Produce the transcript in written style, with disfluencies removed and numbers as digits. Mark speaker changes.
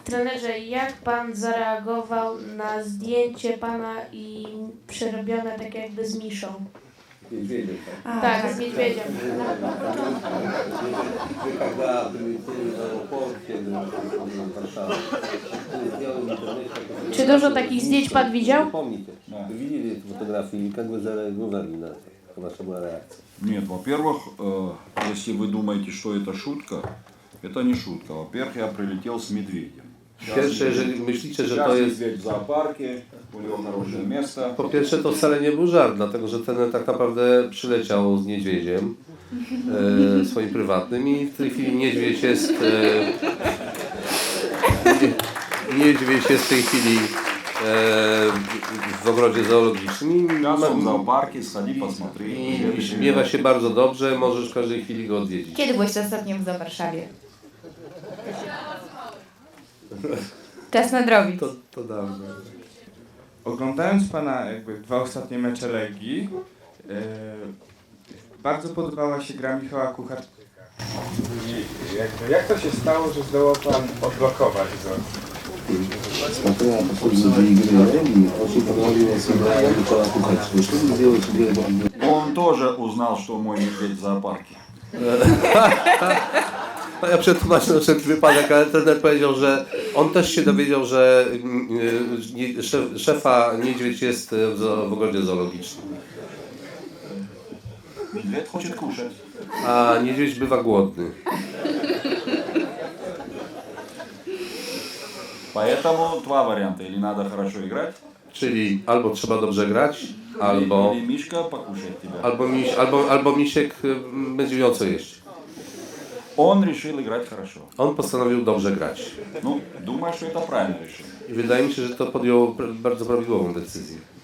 Speaker 1: Trenerze, jak pan zareagował na zdjęcie pana i przerobione tak jakby z Miszą?
Speaker 2: Niedźwiedziem, tak?
Speaker 1: Tak, z niedźwiedziem.
Speaker 2: Когда прилетели в аэропорт, в Варшаву, сделали в интернете...
Speaker 1: Czy dużo takich zdjęć pan widział?
Speaker 2: Помните? Вы видели эту фотографию и как вы зареагировали на это? Ваша была реакция?
Speaker 3: Нет, во-первых, если вы думаете, что это шутка, это не шутка. Во-первых, я прилетел с медведем.
Speaker 2: Pierwsze, jeżeli myślicie, że to
Speaker 3: Сейчас
Speaker 2: jest...
Speaker 3: медведь в зоопарке, у него хорошее место.
Speaker 2: Po pierwsze, to wcale nie był żart, dlatego że ten tak naprawdę przyleciał z niedźwiedziem swoim prywatnym i w tej chwili niedźwiedź jest niedźwiedź jest w tej chwili w ogrodzie zoologicznym
Speaker 3: Сейчас он в зоопарке, сходи, посмотри.
Speaker 2: i śmiewa się bardzo dobrze, możesz w każdej chwili go odwiedzić.
Speaker 4: Kiedy byłeś ostatnio w Warszawie? Czas nadrobić.
Speaker 2: To dawno.
Speaker 5: Oglądając pana jakby 2 ostatnie mecze Legii, bardzo podobała się gra Michała Kucharczyka. I jakby, jak to się stało, że zdołał pan odblokować go?
Speaker 2: Смотря последние игры Легии, очень понравилась игра Михаила Кухарчика. Что вы сделаете?
Speaker 3: Он тоже узнал, что мой медведь в зоопарке.
Speaker 2: Ja przetłumaczę na wszelki wypadek, ale trener powiedział, że on też się dowiedział, że szefa niedźwiedź jest w ogrodzie zoologicznym.
Speaker 3: Медведь хочет кушать.
Speaker 2: A niedźwiedź bywa głodny.
Speaker 3: Поэтому два варианта. Или надо хорошо играть,
Speaker 2: Czyli albo trzeba dobrze grać, albo,
Speaker 3: или Мишка покушает тебя.
Speaker 2: albo misiek będzie miał co jeść.
Speaker 3: Он решил играть хорошо.
Speaker 2: On postanowił dobrze grać.
Speaker 3: Ну, думаю, что это правильное решение.
Speaker 2: I wydaje mi się, że to podjął bardzo prawidłową decyzję.